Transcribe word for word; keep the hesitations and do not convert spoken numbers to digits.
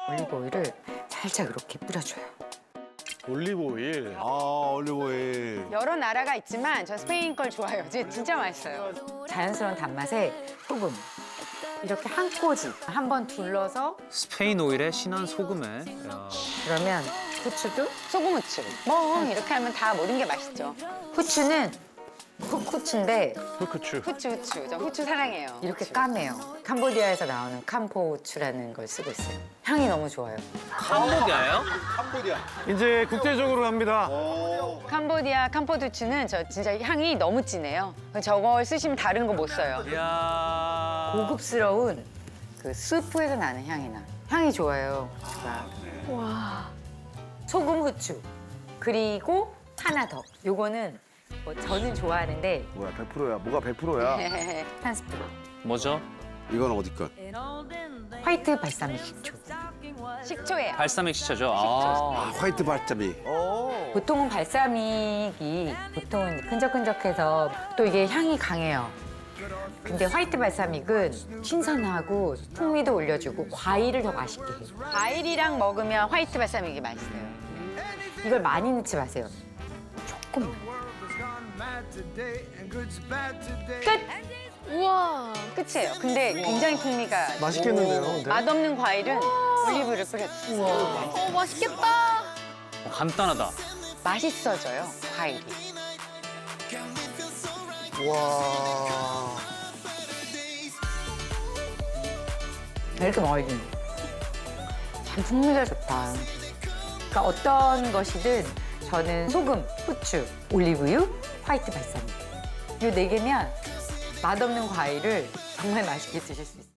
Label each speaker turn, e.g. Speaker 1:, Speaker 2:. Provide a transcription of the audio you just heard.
Speaker 1: 올리브 오일을 살짝 이렇게 뿌려줘요.
Speaker 2: 올리브 오일.
Speaker 3: 아, 올리브오일.
Speaker 1: 여러 나라가 있지만 저 스페인 걸 좋아해요. 진짜, 진짜 맛있어요. 자연스러운 단맛에 소금. 이렇게 한 꼬집 한 번 둘러서
Speaker 4: 스페인 오일에 진한 소금에. 야.
Speaker 1: 그러면 후추도
Speaker 5: 소금 후추. 뭐 이렇게 하면 다 모든 게 맛있죠.
Speaker 1: 후추는 흑후추인데
Speaker 2: 흑후추.
Speaker 5: 후추 후추. 저 후추 사랑해요.
Speaker 1: 이렇게
Speaker 5: 후추.
Speaker 1: 까매요. 캄보디아에서 나오는 캄포 후추라는 걸 쓰고 있어요. 향이 너무 좋아요.
Speaker 4: 캄보디아예요?
Speaker 3: 캄보디아.
Speaker 2: 이제 국제적으로 갑니다.
Speaker 3: 오.
Speaker 5: 캄보디아 캄포 후추는 저 진짜 향이 너무 진해요. 저걸 쓰시면 다른 거 못 써요.
Speaker 4: 이야.
Speaker 1: 고급스러운 그 스프에서 나는 향이 나. 향이 좋아요. 와. 소금 후추. 그리고 하나 더. 요거는 뭐 저는 좋아하는데
Speaker 3: 뭐야, 백 퍼센트야. 뭐가 백 퍼센트야?
Speaker 1: 한 스푼.
Speaker 4: 뭐죠?
Speaker 3: 이건 어디 것?
Speaker 1: 화이트 발사믹 식초.
Speaker 5: 식초예요.
Speaker 4: 발사믹 시초죠.
Speaker 3: 아,
Speaker 4: 아.
Speaker 3: 화이트 발자미. 오.
Speaker 1: 보통은 발사믹이 보통은 이제 끈적끈적해서 또 이게 향이 강해요. 근데 화이트 발사믹은 신선하고 풍미도 올려주고 과일을 더 맛있게 해요.
Speaker 5: 과일이랑 먹으면 화이트 발사믹이 맛있어요.
Speaker 1: 이걸 많이 넣지 마세요. 조금만. 끝!
Speaker 5: 우와. 끝이에요. 근데 굉장히 풍미가
Speaker 2: 맛있겠는데요, 근데?
Speaker 5: 맛없는 과일은 올리브를 뿌려주세요.
Speaker 6: 어, 맛있겠다.
Speaker 4: 어, 간단하다.
Speaker 5: 맛있어져요, 과일이.
Speaker 2: 와.
Speaker 1: 왜 이렇게 먹어야지? 참 풍미가 좋다. 그러니까 어떤 것이든 저는 소금, 후추, 올리브유, 화이트 발사믹. 이 네 개면 맛없는 과일을 정말 맛있게 드실 수 있어요.